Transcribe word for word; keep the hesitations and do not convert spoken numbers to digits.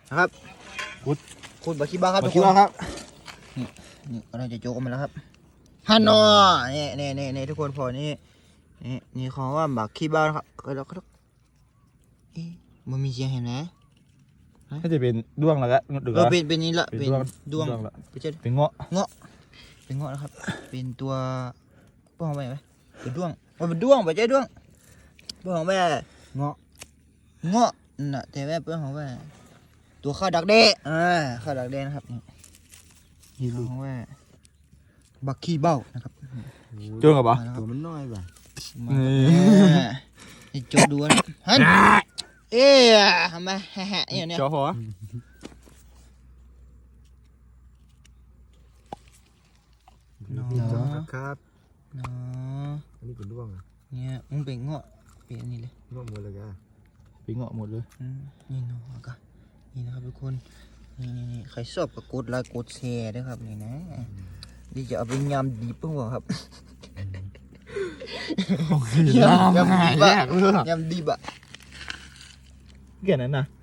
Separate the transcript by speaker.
Speaker 1: นะครับขุดขุดบักขี้บ้าครับ
Speaker 2: บั
Speaker 1: ทุ
Speaker 2: ก
Speaker 1: ก
Speaker 2: ขี้
Speaker 1: คน
Speaker 2: บ้าครับ
Speaker 1: นี่นี่เราจะโจกกันมาแล้วครับฮันนอนี่นี่นี่นี่ทุกคนพอนี่นี่นี่ของว่าบักขี้บ้าครับก็แล้วก็เอ๊ะมันมีเสียงเห็นไหม
Speaker 2: น่าจะเป็นด้วงแล้วก็ดู
Speaker 1: เออเป็นเป็นนี้ละเป็นดวง
Speaker 2: ละ
Speaker 1: ไม่ใช่
Speaker 2: เป็นเงาะ
Speaker 1: เงาะเป็นเงาะนะครับ เป็นตัวป้องไปไหมเป็นด้วงมันเป็นด้วงไม่ใช่ด้วงป้องไปเงาะเงาะน่ะแต่ว่าป้องไปตัวข้าวดักเด้อ่าข้าวดักเด้นะครับนี่ป้องไปบักขี้เบ้านะครับ
Speaker 2: จ้วงกับปะ
Speaker 1: ตัวมันน้อยป่ะ
Speaker 2: นี่
Speaker 1: โจดูนะฮันเอ๊ะทำไมแฮะเนี่ยเนี่ย
Speaker 2: จอหัว
Speaker 3: ครับ
Speaker 1: เนาะ
Speaker 3: อันนี้เป็นด้วงอ่ะ
Speaker 1: เนี่ยมึงเป็นเงาะเป็นอันนี้เลย
Speaker 3: ด้วงหมดเลยอ่ะ
Speaker 2: เป็นเงาะหมดเลย
Speaker 1: นี่เนาะก็นี่นะครับทุกคนนี่นี่นี่ใครชอบก็กดไลค์กดแชร์ด้วยครับนี่นะนี่จะเอาไปยำดีเพิ่งบอกครับยำยำดีบะยำดีบะ
Speaker 2: เกี่ยนั้นนะ
Speaker 1: เ